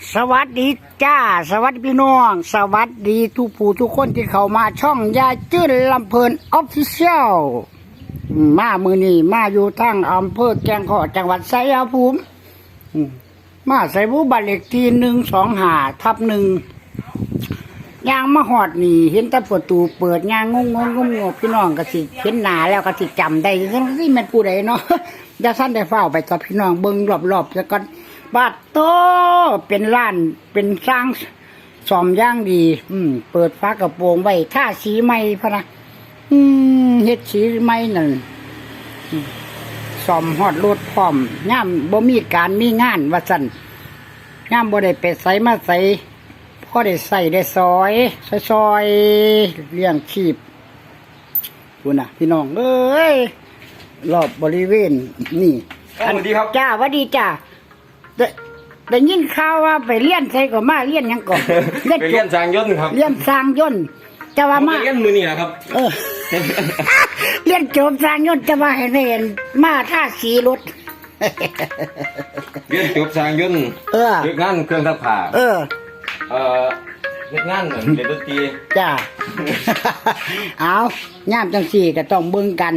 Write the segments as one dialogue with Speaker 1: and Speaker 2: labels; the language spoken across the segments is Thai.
Speaker 1: สวัสดีจ้าสวัสดีพี่น้องสวัสดีทุกผู้ทุกคนที่เข้ามาช่องยายจื้นลำเพลินออฟฟิเชียลมามือนี้มาอยู่ทั้งอำเภอแกงขอจังหวัดชัยภูมิมาใส่บุบัตรเลขที่125/1ยางมาหอดนี่เห็นแต่ประตูเปิดยางงงพี่น้องก็สิเห็นหน้าแล้วก็สิจำได้ทั้งที่มันผู้ใดเนาะอย่าสั้นได้เฝ้าไปกับพี่น้องเบิ่งรอบๆแล้วก็บาดโตเป็นร้านเป็นสร้างซ่อมย่างดีเปิดฝากระโปรงไว้ท่าสีใหม่พะนะเฮ็ดสีใหม่นั่นซ่อมฮอดรถพร้อมย่ามบ่มีการมีงานว่าซั่นย่ามบ่ได้ไปไสมาไสพอได้ใส่ได้ซอยเลี้ยงชีพพุ่นน่ะพี่น้องเอ้ยรอบบริเวณนี่
Speaker 2: สวัสดีครับ
Speaker 1: จ้าสวัสดีจ้าได้ยินข่าวว่าไปเลี้ยนใส่ก็มาเลี้ยนยังก่อน
Speaker 2: ไปเลี้ยนสร้างยนต์ครับ
Speaker 1: เลี้ยนสร้างยนต์จะว่ามา
Speaker 2: เลี้ยนมือนี่แหละครับ
Speaker 1: เลี้ยนโจมสร้างยนต์จะว่าเห็นมาท่าสีรถ
Speaker 2: เลี้ยนจบสร้างยนต์เลิกงานเครื่องซักผ้าเลิกงานเล่นดนตรี
Speaker 1: จ้าเอาย่ามจังสี่ก็ต้องเบิ่งกัน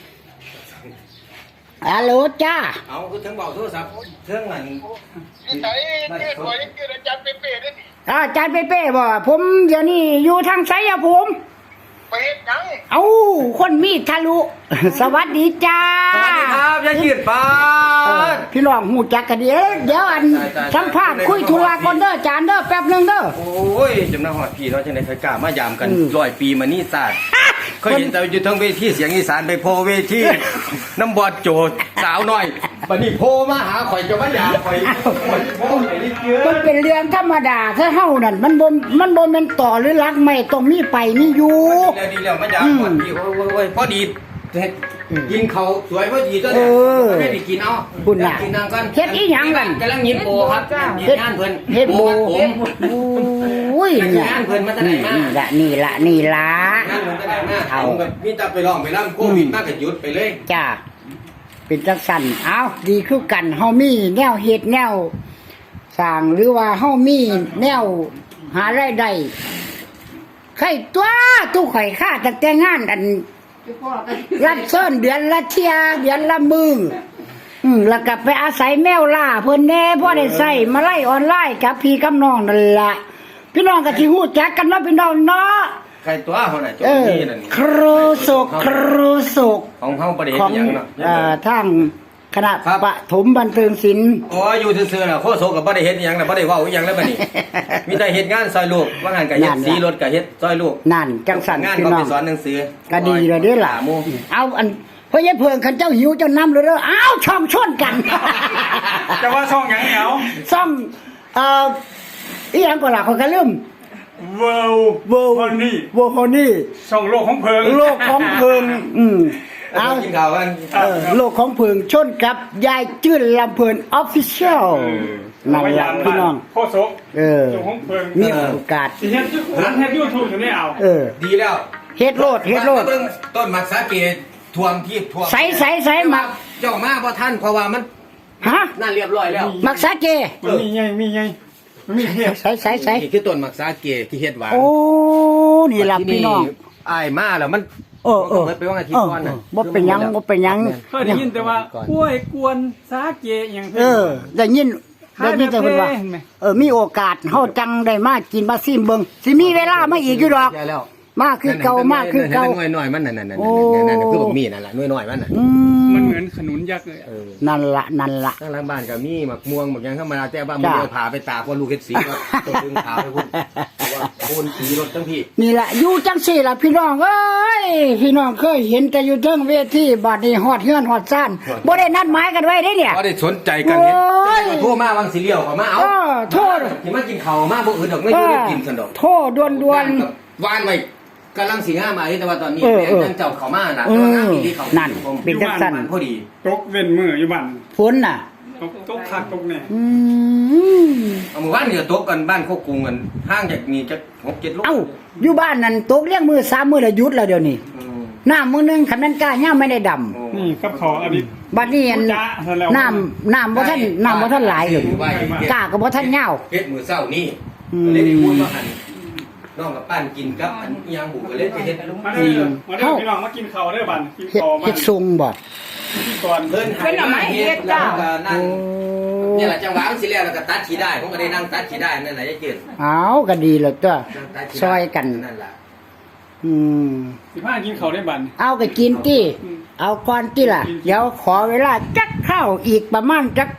Speaker 1: ฮัลโหลจ้า
Speaker 2: เอาคือถึงบอกโทรศัพท์เครื่องนั้น
Speaker 3: ไหนเกิดบ่อยเกิดอาจารย์เป๊ะๆด้วยนี่
Speaker 1: อาจารย์เป๊ะๆบ่ผมเดี๋ยวนี้อยู่ทางชัยภูมิ
Speaker 3: ไปเฮ็ดหยัง
Speaker 1: เอ้าคนมีทะลุสวัสดีจ้า
Speaker 2: สวัสดีครับยายขีดฟ้า
Speaker 1: พี่น้องหูจักกันเดี๋ยวอันสัมภาษณ์คุยธุระก่อนเด้ออาจารย์เด้อแป๊บนึงเด้อ
Speaker 2: โอ้ยจำนำหอดพี่เนาะจังได๋เคยกล้ามายามกัน100 ปีมานี่ศาสตร์เคยเห็นแต่อยู่ทั้งเวทีเสียงอีสานไปโพเวทีน้ำบอดโจดสาวน้อยบัดนี้โพมาหาข่อยจะมายามข่อย
Speaker 1: มันเป็นเรื่องธรรมดาถ้าเฮานั่นมันบ่แม่นต่อหรือรักไม่ต้องมีไปมีอยู่
Speaker 2: ดีแล้วมายามก่อนพี่โอ้ยพอดีกินเขาสวยพอดีตัวเนี่ยไม่ได้กินเอา
Speaker 1: คุณน่ะ
Speaker 2: กินนางกัน
Speaker 1: เฮ็ดอีหยังกัน
Speaker 2: กำลังยิบโบครับเฮ็ดงานเพิ่น
Speaker 1: เฮ็ดโบ
Speaker 2: ผม
Speaker 1: อุ้ย
Speaker 2: เนี่ยงานเพิ่นมาตั้งแต่มา
Speaker 1: นี่ละงานเพิ่น
Speaker 2: ตั้งแต่มาเอากับมีแต่ไปร้องไปรำโควิดมากก็หยุดไปเลย
Speaker 1: จ้าเป็นจังซั่นเอาดีคือกันเฮามีแนวเฮ็ดแนวสร้างหรือว่าเฮามีแนวหารายได้ใครตัวตู้ข่อยค่าตั้งแต่งานอันรับเชิญเดือนละเที่ยเดือนละมื้อแล้วก็ไปอาศัยแมวล่าเพิ่นแน่พอได้ใช้มาไล่ออนไลน์กับพี่กับน้องนั่นล่ะพี่น้องก็สิฮู้จักกันเนาะพี่น้องเนาะ
Speaker 2: ใครตัวเฮาน่ะจบนี่นั่น
Speaker 1: ครูสุข
Speaker 2: ของเฮาบ่ได้เฮ็ดหยังเนาะ
Speaker 1: ทางคณะปฐมบันเทิงศิลป์
Speaker 2: อ๋ออยู่ซื่อๆน่ะโคโซก็บ่ได้เฮ็ดหยังน่ะบ่ได้เว้าอีหยังแล้วบัดนี้มีแต่เฮ็ดงานซอยลูกว่างานก็เฮ็ดสีรถก็เฮ็ดซอยลูก
Speaker 1: นั่นจังซั่น
Speaker 2: งานก็ไปสอนหนังสือ
Speaker 1: ก็ดีแล้วเด้อล่ะเอาอันพ่อยายเพิ่งคันเจ้าหิวเจ้านำเลยเด้ออ้าวช่องชนกัน
Speaker 2: จะว่าช่องหยังเหรอ
Speaker 1: ช่องอีหยังก็ล่ะข้อยก็ลืม
Speaker 2: เวิลด์
Speaker 1: ฮอนี่
Speaker 2: ช่องโลกของเพิง
Speaker 1: เอากินข้าวกันโลกของเพิงชนกับยายจื้นลำเพลินออฟฟิเชียลนั่นล่ะพี่น้อง
Speaker 2: โคโซ
Speaker 1: ของเพิงมีโอกาส
Speaker 2: เฮ็ด YouTube ถึงได้เอาดีแล้ว
Speaker 1: เฮ็ดโลด
Speaker 2: ต้นมักสาเกท่วมที่ท่วม
Speaker 1: ใสมัก
Speaker 2: เจ้ามาบ่ทันเพราะว่ามันนั่นเรียบร้อยแล้ว
Speaker 1: มักสาเก
Speaker 2: มีไง
Speaker 1: ใส
Speaker 2: นี่คือต้นมักสาเกที่เฮ็ดหวาน
Speaker 1: โอ้นี่ล่ะพี่น้อง
Speaker 2: อ้ายมาแล้วมันไปว่าอาทิตย์ก่อนน่ะ
Speaker 1: บ่เป็นหยัง
Speaker 4: เคยได้ยินแต่ว่ากล้วยกวนสาเกอย่าง
Speaker 1: ได้ยินแต่เพิ่นว่ามีโอกาสเฮาจังได้มากินมาซิมเบิ่งสิมีเวลามาอีกอยู่ดอกมาคือเก่าห
Speaker 2: น่อยมันนั่นคือบ่มีนั่นล่ะน้อยมันน่ะ
Speaker 4: มันเหมือนขนุนยักษ์เลย
Speaker 1: นั่นล่ะท
Speaker 2: างหลังบ้านก็มีหมักม่วงหมักหยังธรรมดาแต่ว่ามื้อเอาผ่าไปตากว่าลูกเฮ็ดสีก็ต้องดึงขาวให้พุ่นว่าโคนสีรถทั้งพี่
Speaker 1: นี่ล่ะอยู่จังซี่ล่ะพี่น้องเอ้ยพี่น้องเคยเห็นแต่อยู่เทิงเวทีบัดนี้ฮอดเฮือนฮอดซ่านบ่ได้นัดหมายกันไว้เด้เนี่ย
Speaker 2: บ่ได้สนใจกันเฮ็ดโทรมาวังสิเลี้ยวเข้ามาเอา
Speaker 1: โทษ
Speaker 2: สิมากินข้าวมาบ่อื่นดอกไม่อยู่ได้กินซั่นดอก
Speaker 1: โทษด่วน
Speaker 2: ๆวานไว้กำลังสิงหามาแต่ว่าตอนนี้แม่จังเจ้าเข้ามาน่ะงานที่เขา
Speaker 1: นั่นเป็นจังซั่น
Speaker 2: พอดี
Speaker 4: ตกเว้นมื้ออยู่บ้าน
Speaker 1: ฝนน่ะ
Speaker 4: ตกคักตกแน่
Speaker 2: เอามื้อวานนี่ตกกันบ้านโคกรุงกันห่างจากนี่จัก 6-7 โล
Speaker 1: เอ้าอยู่บ้านนั่นตกเลี้ยงมือ3มื้อแล้วหยุดแล้วเดี๋ยวนี้น้ำมื้อนึงคันนั้นกล้าย่ามไม่ได้ดำ
Speaker 2: โอ้
Speaker 4: นี่กับเขาอันนี้
Speaker 1: บัดนี้อัน
Speaker 4: จ้าซะแล้ว
Speaker 1: น้ำบ่ทันหลายเลยกล้าก็บ่ทันยาว
Speaker 2: เฮ็ดมื้อเช้านี่
Speaker 1: อืม
Speaker 2: ก็เลยได้พูดว่าหั่นน้องกับปั้นกินกับอันอิหยังบุก็เลยไปเฮ็ด
Speaker 4: มาเด้อมาเด้อพี่น้องมากินข้าวเด้อบัดกิน
Speaker 1: เฮ็ด
Speaker 4: ข้าวมา
Speaker 1: เฮ็ดทรงบ่
Speaker 4: กินก่อน
Speaker 2: เพิ่นให้มาเฮ็ดแล้วก็นั่งเนี่ยแหละจังหวะมันสิแล้วแล้วก็ตัดขี้ได้ผมก็ได้นั่งตัดขี้ได้นั่นแหละยายเกิด
Speaker 1: เอาก็ดีแล้วตัว
Speaker 2: นั่งตัดขี้ได้
Speaker 1: ซอยกัน
Speaker 2: นั่นล่ะ
Speaker 1: อืม
Speaker 4: 15กินข้าวได้บัด
Speaker 1: เอาก็กินติ
Speaker 4: อืม
Speaker 1: เอาก่อนติล่ะ เดี๋ยวขอเวลาจักเข้าอีกประมาณจัก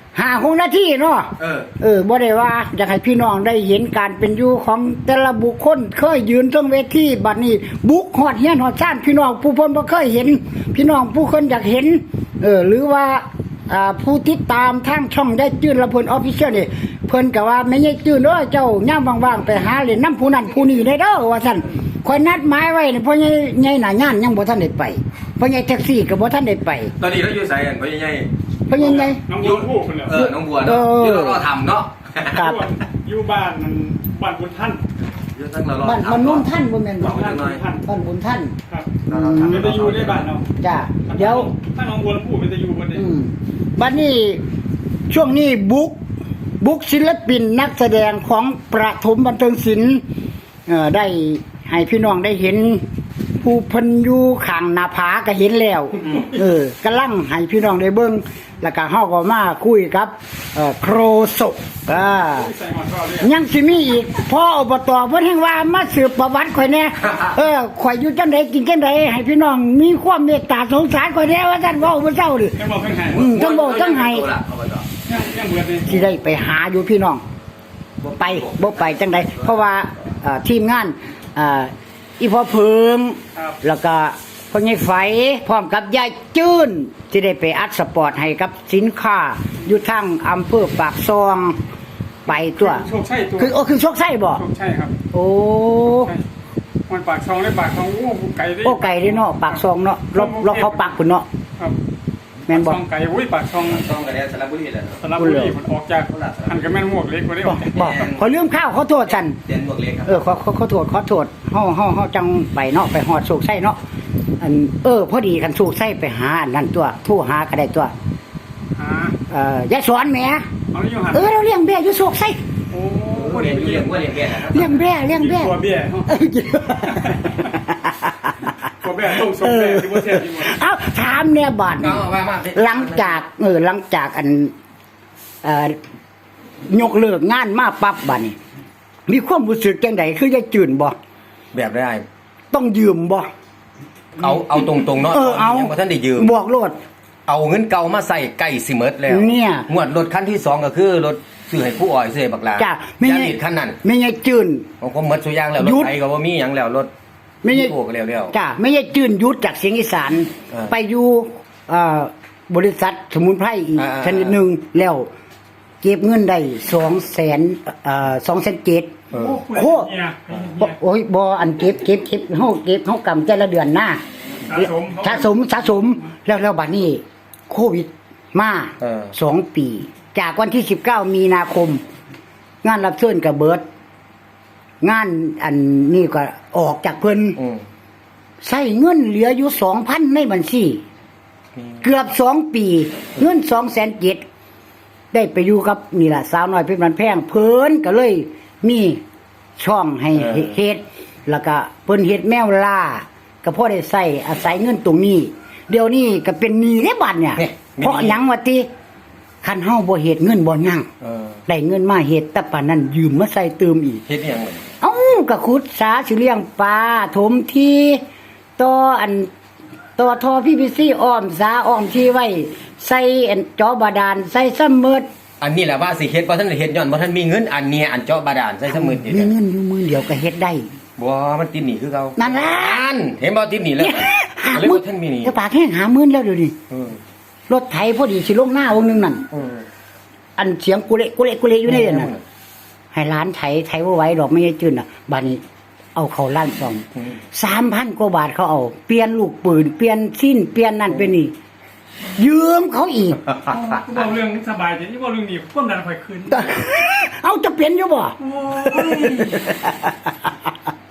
Speaker 1: 5-6นาทีเนาะ บ่ได้ว่าอยากให้พี่น้องได้เห็นการเป็นอยู่ของแต่ละบุคคลเคยยืนตรงเวทีบัดนี้ บุกฮอดเฮียนฮอดซ่านพี่น้องผู้เพิ่นบ่เคยเห็น พี่น้องผู้คนอยากเห็น หรือว่าผู้ติดตามทางช่องได้จื้นละเพิ่น Official นี่เพิ่นก็ว่าแม่ใหญ่จื้นเด้อเจ้ายามว่างๆไปหาเล่นน้ำผู้นั้นผู้นี้ได้เด้อว่าซั่นข่อยนัดหมายไว้นี่พ่อใหญ่หน้างานยังบ่ทันได้ไปพ่อใหญ่แท็กซี่ก็บ่ทันได้ไป
Speaker 2: ตอนนี้เราอยู่ไสกันพ่อใหญ่
Speaker 1: พ่อใหญ่
Speaker 4: น้องบัวผู้คนแล้ว
Speaker 2: น้องบัวเนาะอยู่รอทำเนาะ
Speaker 1: ครับ
Speaker 4: อยู่บ้านนั่นบ้านบุญท่าน
Speaker 2: อยู่ทั้งเรารอ
Speaker 1: บ้าน
Speaker 2: ทำ
Speaker 1: มันนุ่นท่านบ่แม่นบ่
Speaker 4: บ้านบุญท่าน
Speaker 1: บ้านบุญท่าน
Speaker 4: ครับ
Speaker 2: เราทำ
Speaker 4: เป็นตะยูได้บ้านเนาะ
Speaker 1: จ้าเดี๋ยว
Speaker 4: ถ้าน้องบัวผู้เป็นตะยูบ่ได้
Speaker 1: บัดนี้ช่วงนี้บุกศิลปินนักแสดงของประถมบันเทิงศิลป์ได้ให้พี่น้องได้เห็น ผู้เพิ่นอยู่ข้างหน้าผาก็เห็นแล้วกำลังให้พี่น้องได้เบิ่งแล้วก็เฮาก็มาคุยกับโครโซอ่า
Speaker 4: ใส่หอดข้าวเลย
Speaker 1: ยังสิมีอีกพ่ออบตเพิ่นแห่งว่ามาสืบประวัติข่อยแน่ข่อยอยู่จังไดกินจังไดให้พี่น้องมีความเมตตาสงสารข่อยแน่ว่าซั่นเว้าบ่เจ้าดิ
Speaker 4: ยังบอกเพิ่นให้
Speaker 1: ทั้งโบทั้งไห้
Speaker 4: ยังเบิดเลย
Speaker 1: ที่ได้ไปหาอยู่พี่น้องบ่ไปจังไดเพราะว่าทีมงานอีพ่อเพิง
Speaker 4: ครับ
Speaker 1: แล้วก็พ่อใหญ่ไฝพร้อมกับยายจื้นที่ได้ไปอัดสปอร์ตให้กับสินค้าอยู่ทางอำเภอปากซองไปตัว
Speaker 4: โชคชัยตัว
Speaker 1: คือโชคไส้บ่
Speaker 4: โชคชัยครับ
Speaker 1: โอ้
Speaker 4: มันปากซองได้ปากซองโอ้ไก่ได้
Speaker 1: โอ้ไก่เด้เนาะปากซองเนาะเราเขาปากพุ่นเนาะ
Speaker 4: ครับ
Speaker 1: แม่นบ่
Speaker 4: ซองไก่อุ้ยปากซอง
Speaker 2: ต้องกันแล้วสระบุรีแหละ
Speaker 4: สระบุรีมันออกจากหันกับแม่นหมวกเล็กกว่าได้อ
Speaker 1: บ่
Speaker 4: อกจาก
Speaker 1: บ่ขอลืมข้าวขอโทษฉัน
Speaker 2: เตียนบวกเล็กครับ
Speaker 1: ขอโทษเฮาจังไปเนาะไปฮอดโศกไส้เนาะอันพอดีกันโศกไส้ไปหาอันนั้นตัวโทรหาก็ได้ตัว
Speaker 4: หาย
Speaker 1: ายสอนแหม
Speaker 4: เอาอยู่หัน
Speaker 1: เราเลี้ยงแบ่อยู่โศกไส้
Speaker 4: โอ้
Speaker 2: เรียนอยู่เรียนว่าเรียนแก่นะครับ
Speaker 1: เลี้ยงแบ่
Speaker 4: ตัวเบี้ยตัวเบี้ยต้องส่งแบ่ที่บ่แท้ที่บ่
Speaker 1: เอ้าถามเนี่ยบาด
Speaker 2: ก็
Speaker 1: นี้
Speaker 2: ว่ามา
Speaker 1: หลังจากอันยกเลิกงานมาปั๊บบัดนี้มีความรู้สึกจังไดคือยายจื่นบ่
Speaker 2: แบบได้
Speaker 1: ต้องยืมบ่
Speaker 2: เอาตรงๆเนาะ
Speaker 1: เอา
Speaker 2: ยังบ่ทันได้ยืม
Speaker 1: บอกโลด
Speaker 2: เอาเงินเก่ามาใส่ใกล้สิเมิดแล้ว
Speaker 1: เนี่ย
Speaker 2: งวดรถคันที่2ก็คือรถซื้อให้ผู้อ้อยซื้อให้บักลา
Speaker 1: จ้ะไม่
Speaker 2: ยา
Speaker 1: ไง
Speaker 2: ลิดคันนั้น
Speaker 1: ไม่ไงจื่น
Speaker 2: ของผมหมดสุอยางแล้วร
Speaker 1: หยุ
Speaker 2: ถ
Speaker 1: ด
Speaker 2: ไถก็บ่มีหยังแล้วรถ
Speaker 1: ไม่ไง
Speaker 2: โอ้ก็แล้ว
Speaker 1: จ้าไม่ใช่จื่นยุดจากเสียงอีสาน ไปอยู่บริษัทสมุนไพรอีกชนิดหนึ่งแล้วเก็บเงินได้200,000
Speaker 2: เออ
Speaker 1: โอ้โอ้ยบ่อันเก็บเฮากำแต่ละเดือนหน้าสะสมแล้วบัดนี้โควิดมา2 ปี จากวันที่19มีนาคม งานรับเชิญกับเบิร์ดงานอันนี้ก็ออกจากเพิ่น ใช้เงินเหลืออยู่ 2,000 ในบัญชีเกือบ2 ปีเงิน207,000ได้ไปอยู่กับนี่ล่ะสาวน้อยเพชรบ้านแพงเพิ่นก็เลยมีช่องให้เฮ็ดแล้วก็เพิ่นเฮ็ดแมวล่าก็พอได้ใช้อาศัยเงินตรงนี้ เดี๋ยวนี้ก็เป็นหนี้ในบัดเนี่ยเพราะหยังว่าติคันเฮาบ่เฮ็ดเงินบ่ยั่งได้เงินมาเฮ็ดแต่ปานนั้นยืมมาใส่เติมอีก
Speaker 2: เฮ็ดอีหยังเหมือน
Speaker 1: เอ้าก็ขุดสาสิเลี้ยงปลาถมที่ต่อท่อPVCอ้อมสาอ้อมที่ไว้ใส่อันจอบาดาลใส่ซ้ำมืด
Speaker 2: อันนี้แหละว่าสิเฮ็ดบ่ทันได้เฮ็ดย้อนบ่ทันมีเงินอันเนี้ยอันเจาะบาดาลใส่สมุดนี่
Speaker 1: มีเงินอยู่มือเดียวก็เฮ็ดได้
Speaker 2: บ่มันติดหนี้คือเก่า
Speaker 1: นั่นล่ะ
Speaker 2: เห็นบ่ติดหนี้แล้ว
Speaker 1: หา
Speaker 2: เลย
Speaker 1: มื้
Speaker 2: บ่ทันมีหนี้
Speaker 1: จะปากแห้งหามื้อแล้วเดี๋ยวนี้
Speaker 2: เออ
Speaker 1: รถไถพอดีสิลงหน้าวงนึงนั่น
Speaker 2: เออ
Speaker 1: อันเสียงกุเละอยู่ในนั่นให้ร้านไถบ่ไหวดอกไม่ได้จื้นน่ะบัดนี้เอาเข้าร้านซ่อม 3,000 กว่าบาทเขาเอาเปลี่ยนลูกปืนเปลี่ยนสิ้นเปลี่ยนนั่นเป็นนี่ยืมเขาอีก
Speaker 4: กูบอกเรื่องสบายใจที่บอกเรื่องนี้ความดันไฟขึ้น
Speaker 1: เอาจะเปลี่ยนอยู่บ่
Speaker 4: โอ้ย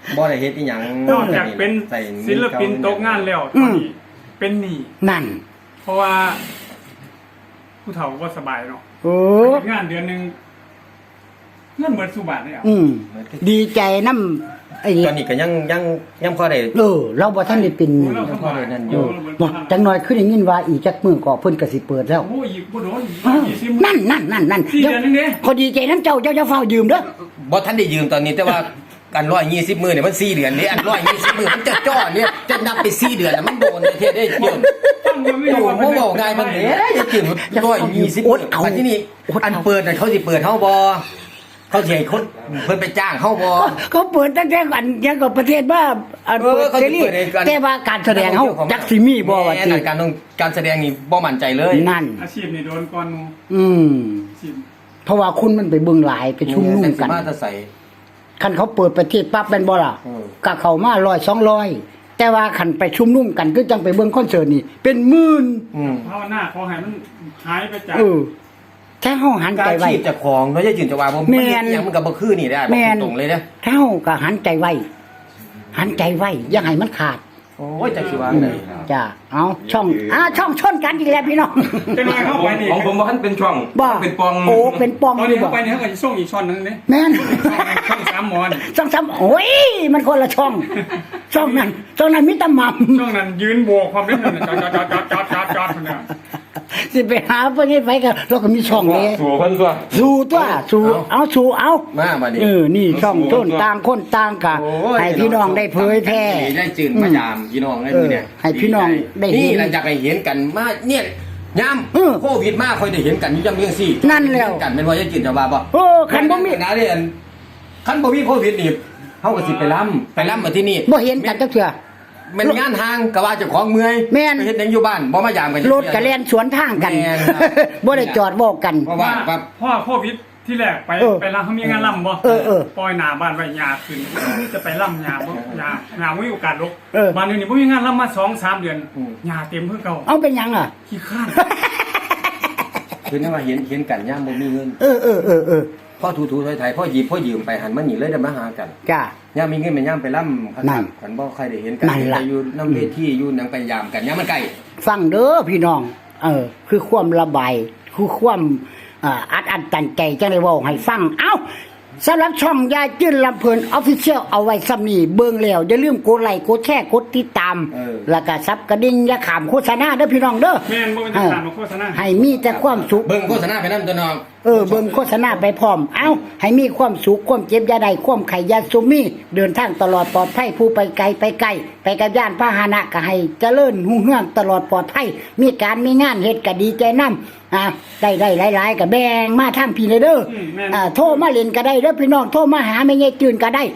Speaker 2: บ่ได้เฮ็ดอีหยัง
Speaker 4: นอกจากเป็น
Speaker 2: ใส่
Speaker 4: ศิลปินตกงานแล้วตอนนี้เป็นหนี้
Speaker 1: นั่น
Speaker 4: เพราะว่าผู้เฒ่าก็สบายเนาะ
Speaker 1: โอ้
Speaker 4: เฮ็ดงานเดือนหนึงเงินเบิดสุบาทเลยอ่ะ
Speaker 1: ดีใจน้ำไอ้
Speaker 2: ตอนนี้ก็ยังพอได้
Speaker 1: เราบ่ทันได้เป็น
Speaker 4: เราสบาย
Speaker 2: นั่นอยู่
Speaker 1: บ่จังน้อยขึ้นได้ยินว่าอีกจักมื้อก็เพิ่นก็สิเปิดแล้ว
Speaker 4: โอ้ยอีกบ่โดน
Speaker 1: นั่น
Speaker 4: 4 เดือนนึงเด้
Speaker 1: พอดีใจน้ำเจ้าเจ้าเฝ้ายืมเด้อ
Speaker 2: บ่ทันได้ยืมตอนนี้แต่ว่ากัน120มื้อเนี่ยมัน4เดือนนี่อัน120มื้อมันจะจ่อเนี่ยจะนับไป4เดือนแล้วมันโดนเฮ็ดได้เกี่ยว
Speaker 4: ฟังมันไม่
Speaker 2: โอ้
Speaker 4: รู้
Speaker 2: โห
Speaker 4: ว่า
Speaker 2: บ่ง่ายมันเด้จะกิน120มื้ออันที่นี่อันเปิดน่ะเขาสิเปิดเฮาบ่เขาสิให้คนเพิ่นไปจ้างเฮาบ่
Speaker 1: เขาเปิดตั้งแต่อันยังกับประเทศว่าอันเปิด
Speaker 2: เขา
Speaker 1: เส
Speaker 2: สิ
Speaker 1: รี
Speaker 2: เปิดให้กัน
Speaker 1: แต่ว่าการแสดงเฮาจักสิมีบ่ว่า
Speaker 2: แม่
Speaker 1: ติ
Speaker 2: นการแสดงนี่บ่มั่นใจเลย
Speaker 1: นั่น
Speaker 4: อาชีพนี่โดนก่อนหมู่ อาชีพ
Speaker 1: เพราะว่าคุณมันไปเบิ่งหลายไปชุมนุมกัน
Speaker 2: มาแตะใส่
Speaker 1: คันเขาเปิดประเทศปั๊บเป็นบ่ล่ะ ก็เข้ามา100 200แต่ว่าคันไปชุมนุมกันคือจังไปเบิ่งคอนเสิร์ตนี่เป็นหมื่น
Speaker 4: ภาวนาขอให้มันหายไปจาก
Speaker 1: แค่เฮาหัน
Speaker 2: กา
Speaker 1: ใจ
Speaker 2: ร
Speaker 1: ไว้
Speaker 2: ชีพเจ้าของเนาะอย่าจืนจะว่าบ่
Speaker 1: แม่น
Speaker 2: หยังมันก็บ่คือนี่ได้บ่ตรงเลยเด้อ
Speaker 1: ถ้าเฮาก็หันใจไว้หันใจไว้อย่าให้มันขาด
Speaker 2: โอ้ยจักสิว่าได๋
Speaker 1: จ้ะเอาช่องชนกันอีกแล้วพี่น้อง
Speaker 4: จะน้อยเข้าไปนี่
Speaker 5: ของผมว่าท่านเป็นช่อง
Speaker 1: บ่
Speaker 5: เป็นปอง
Speaker 1: โอ้เป็นปอง
Speaker 4: ตอน
Speaker 1: นี่
Speaker 4: นี้
Speaker 1: บ่
Speaker 4: เข้าไปนี่เขาก็จะส่งอีกช่อนหนึงนี่
Speaker 1: แม่น
Speaker 4: ช่อง3หมอน
Speaker 1: ช่องซ้ำโอ้ยมันคนละช่องช่องนั้นมีแตะหม่ำ
Speaker 4: ช่องนั้นยืนโบกความเล่นนั่นจอดเนี่ย
Speaker 1: สิไปหาเพิ่นเฮ็ดไผก็เราก็มีช่องเลย
Speaker 5: สัวเพิ่นตัว
Speaker 1: สู้ตัวสู้เอาสู้เอา
Speaker 2: มาบัดนี้
Speaker 1: นี่ช่องต้นต่างคนต่างกะ
Speaker 2: โอ้ย
Speaker 1: ให้พี่น้องได้เผยแพร่
Speaker 2: ได้จืนมายามพี่น้องได้มื้อเนี่ย
Speaker 1: ให้พี่น้องได้เห็น
Speaker 2: นี่หลังจากให้เห็นกันมาเนี่ยยาม
Speaker 1: เออ
Speaker 2: โควิดมาค่อยได้เห็นกันอยู่จังจังซี่
Speaker 1: นั่นแล้ว
Speaker 2: เห็กันแม่นว่าอย่าจืนจะว่าบ่
Speaker 1: โอ้คันบ่มี
Speaker 2: นะเด้อันคันบ่มีโควิดนี่เฮาก็สิไปล้ำมาที่นี่
Speaker 1: บ่เห็นกันจักเทื่อ
Speaker 2: แม่นงานทางก็ว่าเจ้าของเมื่อย
Speaker 1: แม่น
Speaker 2: ไปเฮ็ดหยังอยู่บ้านบ่มายามกัน
Speaker 1: รถก็แล่นสวนทางกัน
Speaker 2: แม่นครับ
Speaker 1: บ่ได้จอดบอกกัน
Speaker 2: เพราะว่าปั๊บ
Speaker 4: พ่อโควิดที่แรกไป
Speaker 1: เออ
Speaker 4: ไปล่ำเขามีงานล่ำบ่
Speaker 1: เออ
Speaker 4: ปล่อยหน้าบ้านไว้ยาขึ้นจะไปล่ำยาบ่ยาไม่มีโอกาสลก
Speaker 1: เออ
Speaker 4: บ้านนี้บ่มีงานล่ำมา2-3 เดือนยาเต็มเพื่อเก่า
Speaker 1: เอาเป็นหยังอ่ะ
Speaker 4: ขี้ข้าน
Speaker 2: คือนั่นว่าเห็นกันยามบ่มีเงิน
Speaker 1: เออ
Speaker 2: พ่อถูๆไทยๆพ่อหยิบพ่อยืมไปหันมานี่เลยได้มาหากัน
Speaker 1: จ้า
Speaker 2: ย่ามมีเงินแม่ย่ามไปล่ำคั
Speaker 1: นั่น
Speaker 2: ขันบ่ใครได้เห็นกัน
Speaker 1: นั่นล่ะ
Speaker 2: ไปอยู่น้ำเวทีอยู่หนังไปยามกันย่ามมันไกล
Speaker 1: ฟังเด้อพี่น้อง คือความระบายคือความอัดตันใจจังได้เว้าให้ฟังเอ้าสำหรับช่องยายจื้นลำเพลิน Official เอาไว้ซ้ำนี้เบิ่งแล้วอย่าลืมกดไลค์กดแชร์กดติดตาม แล้วก็ซับกระดิ่งอย่าขามโฆษณาเด้อพี่น้องเด้อ
Speaker 4: แม่นบ่เป็นทางมาโฆษณา
Speaker 1: ให้มีแต่ความสุข
Speaker 2: เบิ่งโฆษณาไปนำตัวน้อง
Speaker 1: เบิ่งโฆษณาไปพร้อม เอ้า ให้มีความสุข ความเจ็บอยาใดความไข่ยาสุมี เดินทางตลอดปลอดภัย ผู้ไปไกลไปไกล ไปกับย่านพาหนะก็ให้เจริญหุ่งเฮืองตลอดปลอดภัย มีการมีงานเฮ็ดก็ดีใจนำได้หลายๆก็แบ่งมาทางพี่เลยเด้อโทรมาเล่นก็ได้เด้อพี่น้อง โทรมาหาแม่ยายจืนก็ได้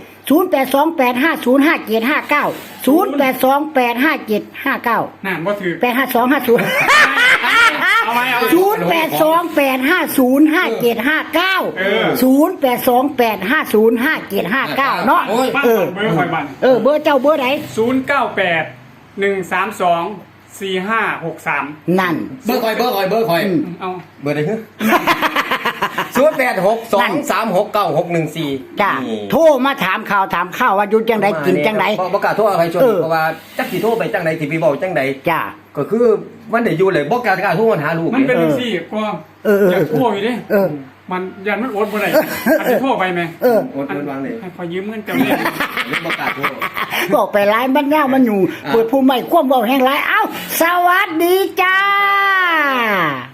Speaker 1: 0828505759 08285759
Speaker 4: นั่นบ่ถือ
Speaker 1: 85250
Speaker 4: เอาไว้เอาไว้
Speaker 1: 0828505759 0828505759 เนาะ
Speaker 4: บ้านเบอร์ข่อยบ้าน
Speaker 1: เบอร์เจ้าเบอร์ไหน
Speaker 4: 0981324563
Speaker 1: นั่น
Speaker 2: เบอร์คอย
Speaker 4: เอา
Speaker 2: เบอร์ใดฮึ0862369614
Speaker 1: จ้าโทรมาถามข่าวว่าอยู่จังไดกินจังได
Speaker 2: บ่กล้าโทรอะไรชวนเพราะว่าจักสิโทรไปจังไดสิไปบอกจังได
Speaker 1: จ้า
Speaker 2: ก็คือมันได้อยู่เลยบ่กล้าโทรหาลูก
Speaker 4: มันเป็นจังซี่ก็อยากโทรอยู่ดิ มันยันมันอดบ่ได้อันนี้โทรไปไหม
Speaker 2: อดวางเลย
Speaker 4: ให้ขอยืมเงินเจ้าเนี่ย
Speaker 2: บ่กล้าโทร
Speaker 1: บอกไปหลายมันยาวมันอยู่เปิดผู้ใหม่ความเว้าแห่งหลายเอ้าสวัสดีจ้า